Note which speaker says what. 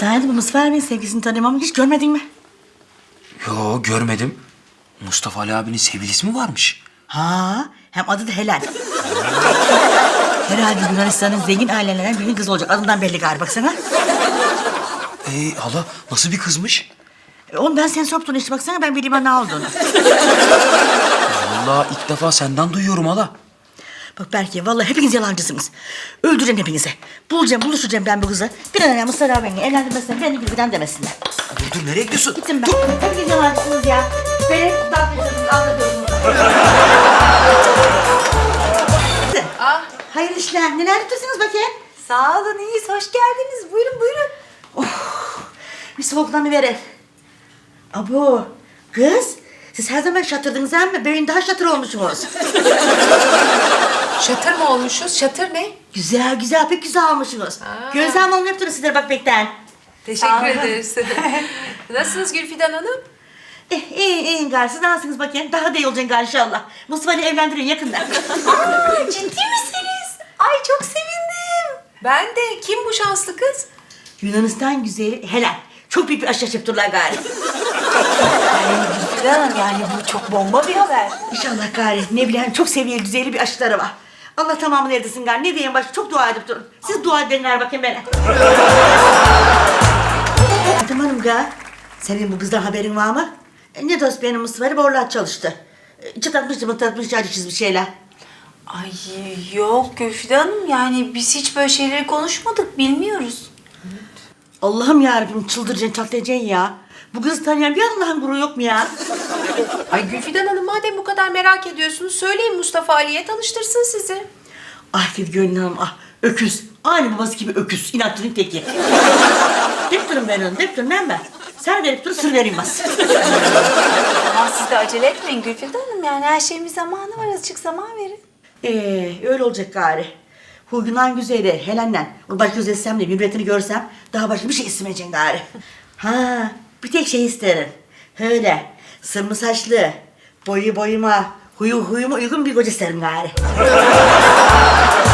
Speaker 1: Sen de bu Mustafa abinin sevgilisini tanıyorum ama hiç görmedin mi?
Speaker 2: Yo, görmedim. Mustafa Ali abinin sevgilisi mi varmış?
Speaker 1: Ha, hem adı da Helen. Herhalde Yunanistan'ın zengin ailelerinden birinin kızı olacak. Adından belli galiba baksana.
Speaker 2: Hala nasıl bir kızmış?
Speaker 1: Ondan sen soptun işte baksana ben bileyim ha ne olduğunu.
Speaker 2: Vallahi ilk defa senden duyuyorum hala.
Speaker 1: Bak belki vallahi hepiniz yalancısınız. Öldüreceğim hepinizi. Buluşacağım ben bu kızı. Bir an önce Mustafa abini evlendirmezsen beni gülüden demesinler.
Speaker 2: Dur, nereye gidiyorsun?
Speaker 1: Gittim ben. Hepiniz yalancısınız ya. Beni dağıtıyorsunuz, anlatıyorum. Hayırlı işler. Neler yapıyorsunuz bakayım?
Speaker 3: Sağ olun, iyiyiz. Hoş geldiniz. Buyurun, buyurun.
Speaker 1: Bir soğuklanı verin. Abo, kız. Siz her zaman şatırdınız ama böyle daha şatır olmuşsunuz.
Speaker 3: Şatır mı olmuşuz? Şatır ne?
Speaker 1: Güzel güzel pek güzel olmuşsunuz. Gözlem olun hep durun sizlere bakmaktan.
Speaker 3: Teşekkür ederiz. Nasılsınız Gülfidan Hanım?
Speaker 1: İyi gari siz nasılsınız bakayım? Daha da iyi olacaksın gari inşallah. Mustafa'yı evlendirin yakında.
Speaker 3: Ciddi misiniz? Ay çok sevindim. Ben de. Kim bu şanslı kız?
Speaker 1: Yunanistan güzeli Helen. Çok büyük bir aşk yaptırlar gari.
Speaker 3: Gülfidan Hanım yani bu çok bomba bir haber.
Speaker 1: İnşallah gari ne bileyim çok seviyeli düzeyli bir aşkları var. Allah tamamını erdirsin gari. Ne diyeyim başka çok dua edip durun. Siz dua edin gari bakayım bana. Hatem Hanım gari. Senin bu kızdan haberin var mı? Ne dost benim Mustafa'yla borlat çalıştı. Çıtlatmış, acı çizmiş şeyler.
Speaker 4: Ay yok Gülfidan Hanım yani biz hiç böyle şeyleri konuşmadık bilmiyoruz.
Speaker 1: Allah'ım yarabbim çıldıracaksın çatlayacaksın ya. Bu kızı tanıyan bir Allah'ın gururu yok mu ya?
Speaker 3: Ay Gülfidan Hanım madem bu kadar merak ediyorsunuz söyleyin Mustafa Ali'ye tanıştırsın sizi.
Speaker 1: Ah dedi Gönül Hanım ah öküz. Aynı babası gibi öküz. İnatçının teki. Dep durun ben onu dep durun ben. Sen verip dur sır vereyim bas.
Speaker 4: Ama siz de acele etmeyin Gülfidan Hanım yani her şeyin bir zamanı var azıcık zaman verin.
Speaker 1: Öyle olacak gari. Huyundan güzeli Helen'le. Onu başka özetsem de mürvetini görsem daha başka bir şey istemeyeceksin gari. Ha bir tek şey isterim. Öyle sırmı saçlı, boyu boyuma, huyuma uygun bir koca isterim gari.